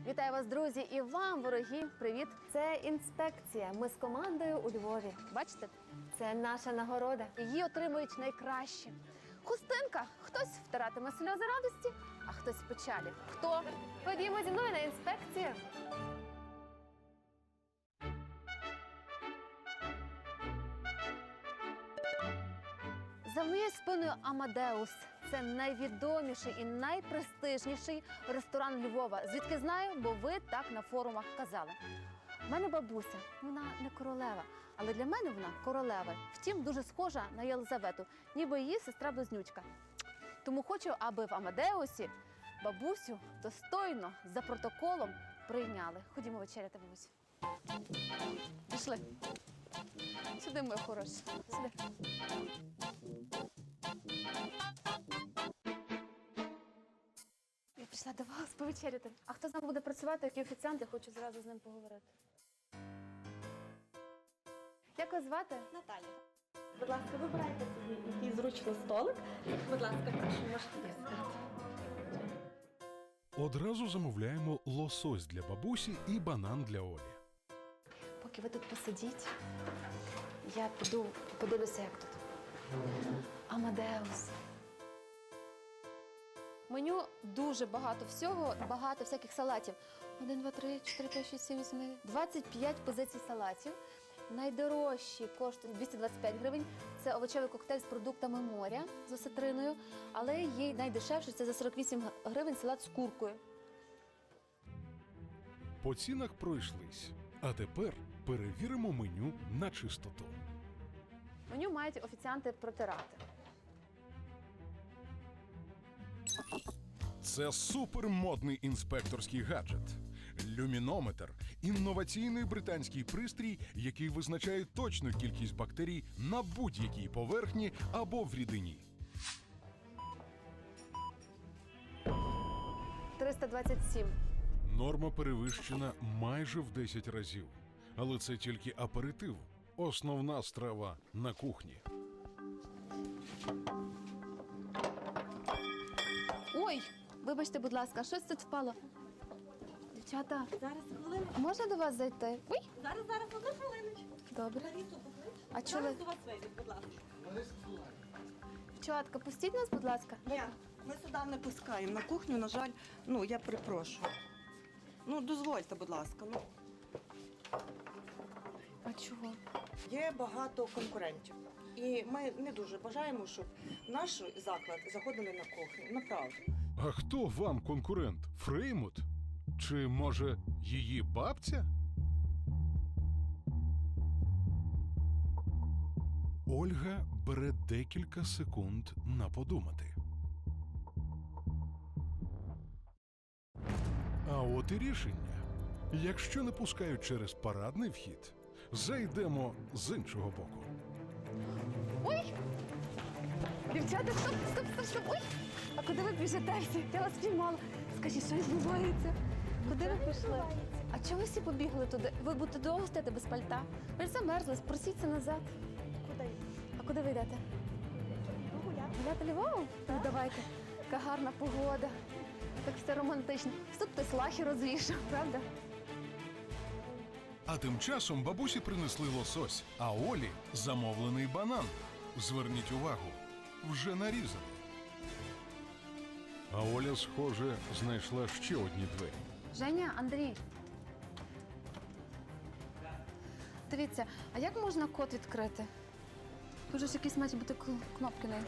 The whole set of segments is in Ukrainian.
Вітаю вас, друзі, і вам, вороги, привіт! Це інспекція. Ми з командою у Львові. Бачите? Це наша нагорода. Її отримують найкращі. Хустинка. Хтось втиратиме сльози радості, а хтось печалі. Хто? Ходімо зі мною на інспекцію. За моєю спиною Амадеус. Це найвідоміший і найпрестижніший ресторан Львова. Звідки знаю, бо ви так на форумах казали. У мене бабуся, вона не королева, але для мене вона королева. Втім, дуже схожа на Єлизавету, ніби її сестра-близнючка. Тому хочу, аби в Амадеусі бабусю достойно, за протоколом прийняли. Ходімо вечеряти, бабусю. Пішли. Сюди, моя хороша. Сюди. Я пішла до вас повечеряти. А хто з нами буде працювати, який офіціант, я хочу зразу з ним поговорити. Як вас звати? Наталя. Будь ласка, вибирайте собі який зручний столик. Будь ласка, прошу, можете їсти. Одразу замовляємо лосось для бабусі і банан для Олі. Поки ви тут посидіть, я піду подивлюся, як тут. Амадеус. Меню дуже багато всього, багато всяких салатів. 1, 2, 3, 4, 5, 6, 7, 8, 25 позицій салатів. Найдорожчі коштують 225 гривень. Це овочевий коктейль з продуктами моря з осетриною. Але є найдешевший, це за 48 гривень салат з куркою. По цінах пройшлись. А тепер перевіримо меню на чистоту. Меню мають офіціанти протирати. Це супермодний інспекторський гаджет. Люмінометр – інноваційний британський пристрій, який визначає точну кількість бактерій на будь-якій поверхні або в рідині. 327. Норма перевищена майже в 10 разів. Але це тільки аперитив. Основна страва на кухні. Ой, вибачте, будь ласка, щось тут впало. Дівчата, Зараз хвилину. можна до вас зайти? Ой, Зараз, одну хвилиночку. добре. Ларісу поклич. А чого Зараз ви- до вас вийдуть, будь ласка. Дівчатка, пустіть нас, будь ласка. Ні, ми сюди не пускаємо. На кухню, на жаль, я перепрошую. Дозвольте, будь ласка. А чого? Є багато конкурентів. І ми не дуже бажаємо, щоб в наш заклад заходили на кухню. Направду. А хто вам конкурент? Фреймут? Чи, може, її бабця? Ольга бере декілька секунд на подумати. А от і рішення. Якщо не пускають через парадний вхід, зайдемо з іншого боку. Ой! Дівчата, стоп! Ой! А куди ви біжите всі? Я вас піймала. Скажіть, що відбувається? Куди ви пішли? А чого ви всі побігли туди? Ви будете довго стояти без пальта? Ви ж замерзли, спросіться назад. Куди? А куди ви йдете? Гуляти Львовом? Ну, давайте. Яка гарна погода. Так все романтично. Тут хтось лахи розвішав, правда? А тим часом бабусі принесли лосось, а Олі – замовлений банан. Зверніть увагу, вже нарізаний. А Оля, схоже, знайшла ще одні двері. Женя, Андрій. Дивіться, а як можна код відкрити? Тут же ж якісь мають бути кнопки на.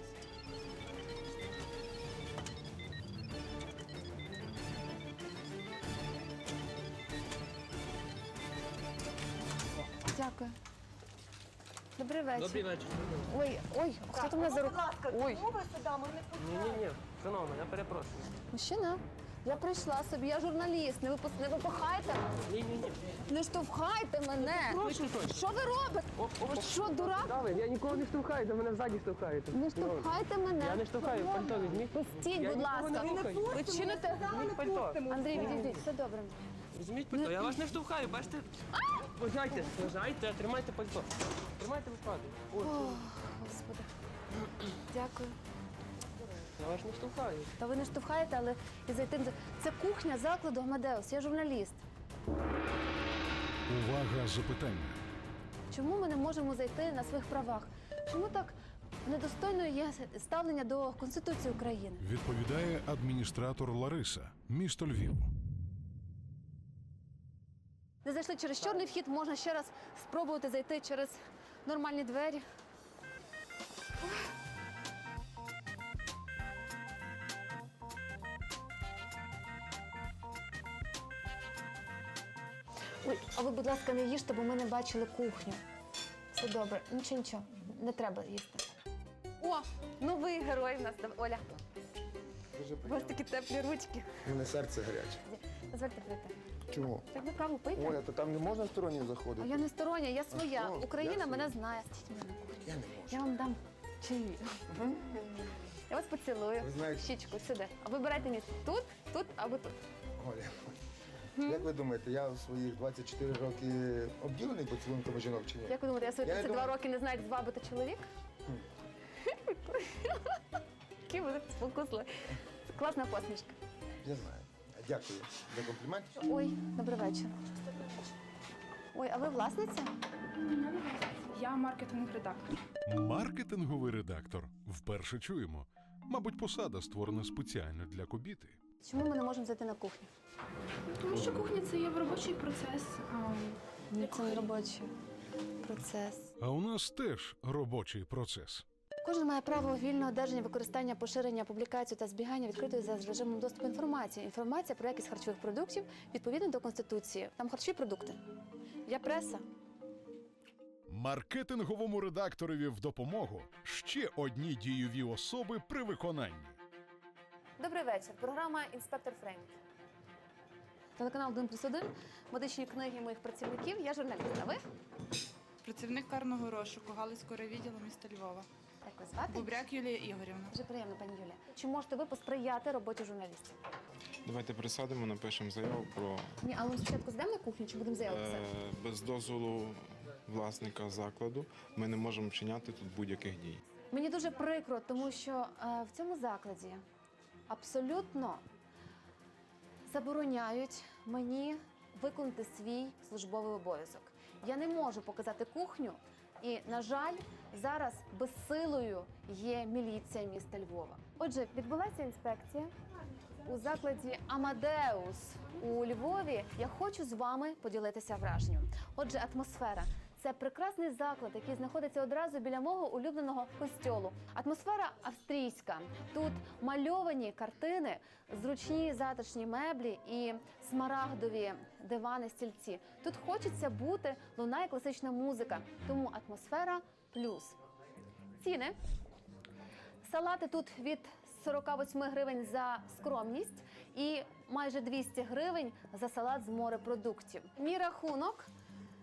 Дякую. Добрий вечір. Добрий вечір. Ой, хто там мене за руку? Будь ласка, Ой, чому ви сюди? Ми не пускаємо. Ні, шановна, я перепрошую. мужчина, я прийшла собі, я журналіст, не випихайте, Ні. не штовхайте мене. Прошу точно. Що ви робите? Ви що, дурак? Давид, я нікого не штовхаю, до мене ззаді штовхаєте. Не штовхайте мене. Я не штовхаю, пальто візьміть. Пустіть, Я будь нікого не ласка. рухаю. Ви чините? Візьміть пальто. Андрій, відійдіть, все добре. Візьміть пальто, я вас не штовхаю, бачите? Вважайте, тримайте пальто. Тримайте випадок. Господи. Дякую. Я вас не штовхаю. Та ви не штовхаєте, але і зайти. Це кухня закладу Амадеус, я журналіст. Увага, запитання. Чому ми не можемо зайти на своїх правах? Чому так недостойно є ставлення до Конституції України? Відповідає адміністратор Лариса, місто Львів. Не зайшли через чорний вхід, можна ще раз спробувати зайти через нормальні двері. Ой, а ви, будь ласка, не їжте, бо ми не бачили кухню. Все добре. Нічого, не треба їсти. О, новий герой в нас. Оля, Дуже у вас приємно. такі теплі ручки. У мене серце гаряче. Дозвольте прийти. Чому? Так ви каву пийте? Оля, то там не можна стороннім А заходити? я не стороння, я своя. що? Україна Я мене своя. знає. Я не можу. Я вам дам чаї. Я вас поцілую. Ви знаєте- Щічку сюди. А вибирайте місце. Тут, тут або тут. Оля, як ви думаєте, я в своїх 24 роки обділений поцілунками жінок чи ні? Як ви думаєте, я свої Я 32 думаю- роки не знаю, як звабити чоловік? Які ви спокусли. Класна посмішка. Я знаю. Дякую за комплімент. Ой, добрий вечір. Ой, а ви власниця? Я маркетинг-редактор. Маркетинговий редактор. Вперше чуємо. Мабуть, посада створена спеціально для кобіти. Чому ми не можемо зайти на кухню? Тому що кухня це є робочий процес. Ні, це не робочий процес. А у нас теж робочий процес. Кожен має право вільного одержання, використання, поширення, публікацію та збігання відкритої за режимом доступу інформації. Інформація про якість харчових продуктів відповідно до Конституції. Там харчові продукти. Я преса. Маркетинговому редакторові в допомогу ще одні дієві особи при виконанні. Добрий вечір. Програма «Інспектор Фрейм». Телеканал «1+1», медичні книги моїх працівників. Я журналіст. А ви? Працівник карного розшуку Галицького райвідділу міста Львова. Як ви звати? Бубряк Юлія Ігорівна. Дуже приємно, пані Юлія. Чи можете ви посприяти роботі журналістів? Давайте присадимо, напишемо заяву про Ні, але ми спочатку зайдемо на кухню, чи будемо заяву писати? без дозволу власника закладу. Ми не можемо вчиняти тут будь-яких дій. Мені дуже прикро, тому що в цьому закладі абсолютно забороняють мені виконати свій службовий обов'язок. Я не можу показати кухню, і, на жаль, зараз безсилою є міліція міста Львова. Отже, відбулася інспекція у закладі «Амадеус» у Львові. Я хочу з вами поділитися враженням. Отже, атмосфера. Це прекрасний заклад, який знаходиться одразу біля мого улюбленого костьолу. Атмосфера австрійська. Тут мальовані картини, зручні затишні меблі і смарагдові дивани, стільці. Тут хочеться бути, лунає класична музика. Тому атмосфера плюс. Ціни. Салати тут від 48 гривень за скромність і майже 200 гривень за салат з морепродуктів. Мій рахунок –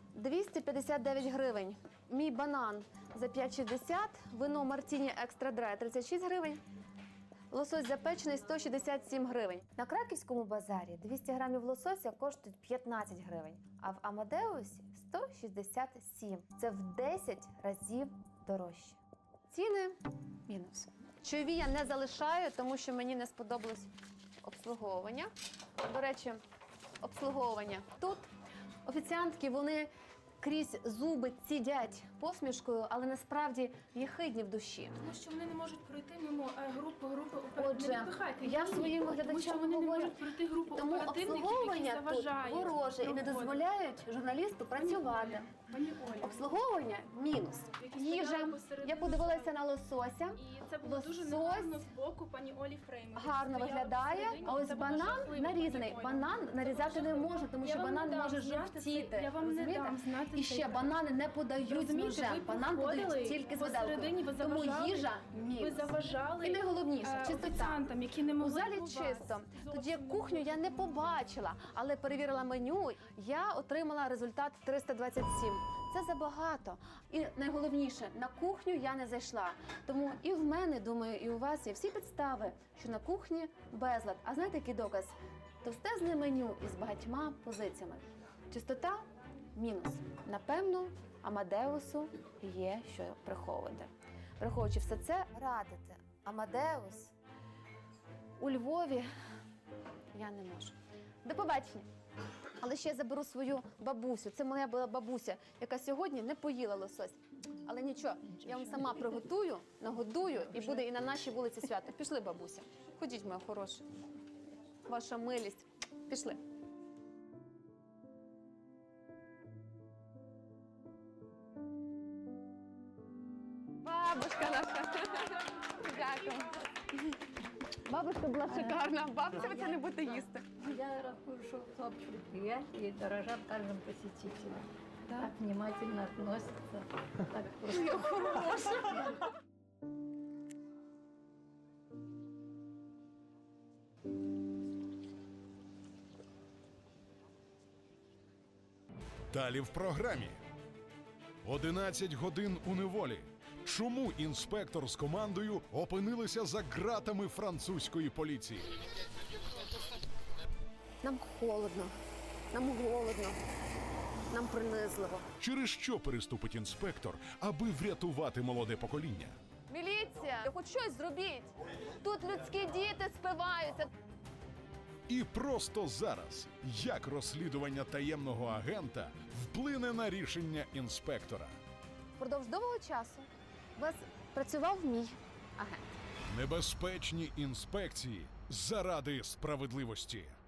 259 гривень. Мій банан за 5,60, вино Мартіні Екстра Драй 36 гривень, лосось запечений 167 гривень. На Краківському базарі 200 грамів лосося коштують 15 гривень, а в Амадеусі 167. Це в 10 разів дорожче. Ціни мінус. Чайові я не залишаю, тому що мені не сподобалось обслуговування. До речі, обслуговування. Тут офіціантки, вони крізь зуби цідять посмішкою, але насправді єхидні в душі. Тому що вони не можуть пройти мимо групи Отже, не відпихайте. я своїм Тому що глядачам вони не говорю, можуть пройти групу тому оперативників, які обслуговування тут заважають вороже і не роботі. дозволяють журналісту працювати. Пані Оля, Обслуговування мінус. які Їжа. стояли посередині Я подивилася залу. на лосося. І це було дуже Лосось негарно з боку пані Олі Фрейм. Гарно виглядає, а ось банан нарізаний. Банан нарізати не можна, тому що банан може жовтіти. Я вам не Розумієте? дам знати І цей ще факт. банани не подають з Розумієте, ножем. ви Банан подають підходили тільки з посередині, виделкою. ви Тому заважали- їжа Ви мінус. заважали І найголовніше, чистота. офіціантам, які не У могли залі у вас чисто. Тоді зовсім кухню я не побачила, але перевірила меню. Я отримала результат 327. Це забагато. І найголовніше, на кухню я не зайшла. Тому і в мене, думаю, і у вас є всі підстави, що на кухні безлад. А знаєте, який доказ? Товстезне меню із багатьма позиціями. Чистота мінус. Напевно, Амадеусу є що приховувати. Враховуючи все це, радити Амадеус у Львові я не можу. До побачення. Але ще я заберу свою бабусю. Це моя була бабуся, яка сьогодні не поїла лосось. Але нічого, я вам сама приготую, нагодую, і буде і на нашій вулиці свято. Пішли, бабуся. Ходіть, моя хороша. Ваша милість. Пішли. Бабушка наша. Дякую. Бабушка була шикарна. Бабця ви це не будете їсти. Я рахую, что общее предприятие и дорожат каждым посетителем. Так внимательно относятся. Так просто. Далі в програмі. 11 годин у неволі. Чому інспектор з командою опинилися за ґратами французької поліції? Нам холодно, нам голодно, нам принизливо. Через що переступить інспектор, аби врятувати молоде покоління? Міліція, хоч щось зробіть. Тут людські діти спиваються. І просто зараз, як розслідування таємного агента вплине на рішення інспектора? Впродовж довгого часу у вас працював мій агент. Небезпечні інспекції заради справедливості.